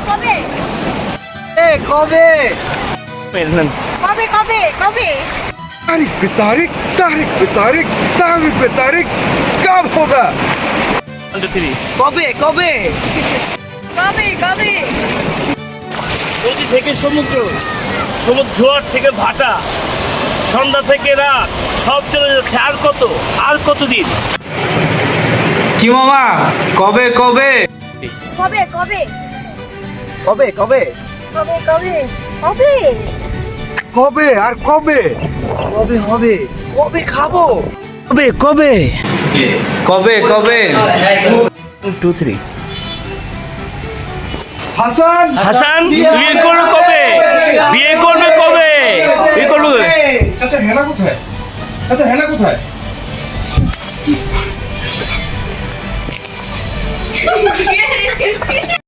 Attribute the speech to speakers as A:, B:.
A: কবে
B: কবে
A: কবে কবে কবে
B: तारीख पे तारीख तारीख पे तारीख तारीख पे तारीख कब होगा
C: কবে কবে
A: কবে কবে
D: নদী থেকে সমুদ্র, সমুদ্র জোয়ার থেকে ভাটা, সন্ধ্যা থেকে রাত, সব চলে যাচ্ছে। আর কতদিন?
C: কি মামা কবে কবে
A: কবে কবে
C: কবে কবে
A: কবে কবে কবে
B: কবে আর কবে
C: কবে হবে কবে খাবো
D: কবে কবে
C: কবে কবে 2 3
B: হাসান
D: হাসান বিয়ে করবে কবে? বিয়ে করবে কবে? বিয়ে করবে কবে?
B: চাচা হেনা কোথায়? চাচা হেনা কোথায়?